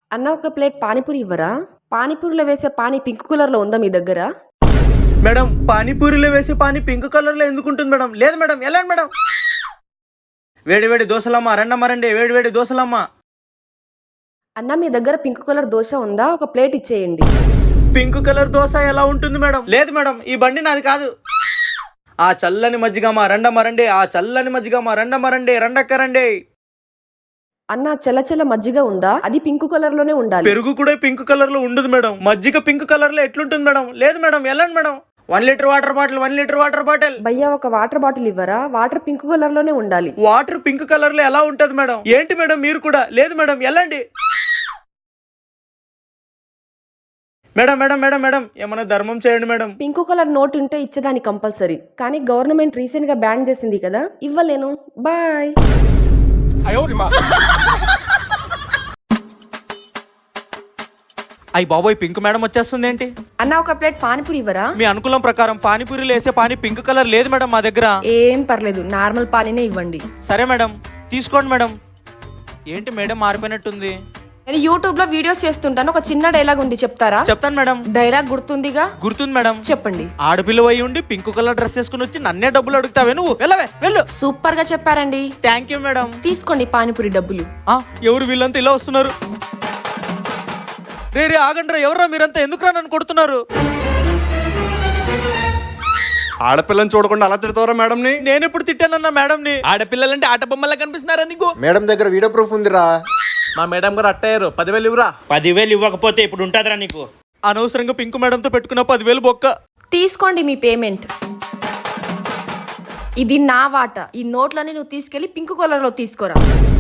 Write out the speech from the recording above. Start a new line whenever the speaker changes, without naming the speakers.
అన్న ఒక ప్లేట్ పానీపూరి ఇవ్వరా? పానీపూరిలో వేసే పానీ పింక్ కలర్ లో ఉందా మీ దగ్గర?
మేడం పానీపూరిలో వేసే పానీ పింక్ కలర్ లో ఎందుకుంటుంది మేడం? లేదు మేడం, వెళ్ళండి మేడం. వేడి వేడి దోశలమ్మ, రండి వేడి వేడి దోశలమ్మ.
అన్న మీ దగ్గర పింక్ కలర్ దోశ ఉందా? ఒక ప్లేట్ ఇచ్చేయండి.
పింక్ కలర్ దోశ ఎలా ఉంటుంది మేడం? లేదు మేడం, ఈ బండి నాది కాదు. ఆ చల్లని మజ్జిగమ్మ రండి, ఆ చల్లని మజ్జిగమ్మ రండి, రండి.
అన్న చల్ల మజ్జిగ ఉందా? అది పింక్ కలర్ లోనే ఉండాలి.
పెరుగు కూడా పింక్ కలర్ లో ఉండదు మేడం. మజ్జిగ పింక్ కలర్ లో ఎట్లుంటుంది మేడం? లేదు మేడం, వెళ్ళండి మేడం. 1 litre water bottle.
భయ్యా ఒక వాటర్ బాటిల్ ఇవ్వరా? వాటర్ పింక్ కలర్ లోనే ఉండాలి.
వాటర్ పింక్ కలర్ లో ఎలా ఉంటది మేడం? ఏంటి మేడం మీరు కూడా? లేదు మేడం, వెళ్ళండి. మేడం ఏమైనా ధర్మం చేయండి మేడం.
పింక్ కలర్ నోట్ ఉంటే ఇచ్చేదాన్ని కంపల్సరీ, కానీ గవర్నమెంట్ రీసెంట్ గా బ్యాన్ చేసింది కదా, ఇవ్వలేను. బాయ్.
అయ్యి బాబోయ్, పింక్ మేడం వచ్చేస్తుంది ఏంటి?
అన్న ఒక ప్లేట్ పానీపూరి ఇవ్వరా?
మీ అనుకూలం ప్రకారం పానీపూరిలో వేసే పానీ పింక్ కలర్ లేదు మేడం మా దగ్గర.
ఏం పర్లేదు, నార్మల్ పానీనే ఇవ్వండి.
సరే మేడం, తీసుకోండి మేడం. ఏంటి మేడం మారిపోయినట్టుంది?
నేను యూట్యూబ్ లో వీడియోస్ చేస్తుంటాను. ఒక చిన్న డైలాగ్ ఉంది, చెప్తారా?
చెప్తాను మేడం.
డైలాగ్ గుర్తుందిగా?
గుర్తుంది మేడం.
చెప్పండి.
ఆడపిల్ల అయి ఉండి పింక్ కలర్ డ్రెస్ వేసుకుని వచ్చి నన్నే డబ్బులు అడుగుతావే నువ్వు? వెళ్ళు.
సూపర్ గా చెప్పారండి.
Thank you madam.
తీసుకోండి పానీపూరి డబ్బులు.
ఎవరు వీళ్ళంతా ఇలా వస్తున్నారు? రే ఆగండ్రా, ఎవరా మీరంతా? ఎందుకురా నన్ను కొడుతున్నారు?
ఆడపిల్లని చూడకుండా అలా తిడతావరా మేడం ని?
నేను ఎప్పుడు తిట్టానన్నా మేడం ని?
ఆడపిల్లలంటే ఆట బొమ్మలా కనిపిస్తున్నారా నీకు?
మేడం దగ్గర వీడియో ప్రూఫ్ ఉందిరా.
మా మేడం గారు అట్టయ్యారు. 10,000 ఇవ్వరా.
10,000 ఇవ్వకపోతే ఇప్పుడు ఉంటుందిరా నీకు?
అనవసరంగా పింక్ మేడంతో పెట్టుకున్న 10,000 బొక్క.
తీసుకోండి మీ పేమెంట్. ఇది నా వాట. ఈ నోట్లని నువ్వు తీసుకెళ్లి పింక్ కలర్ లో తీసుకోరా.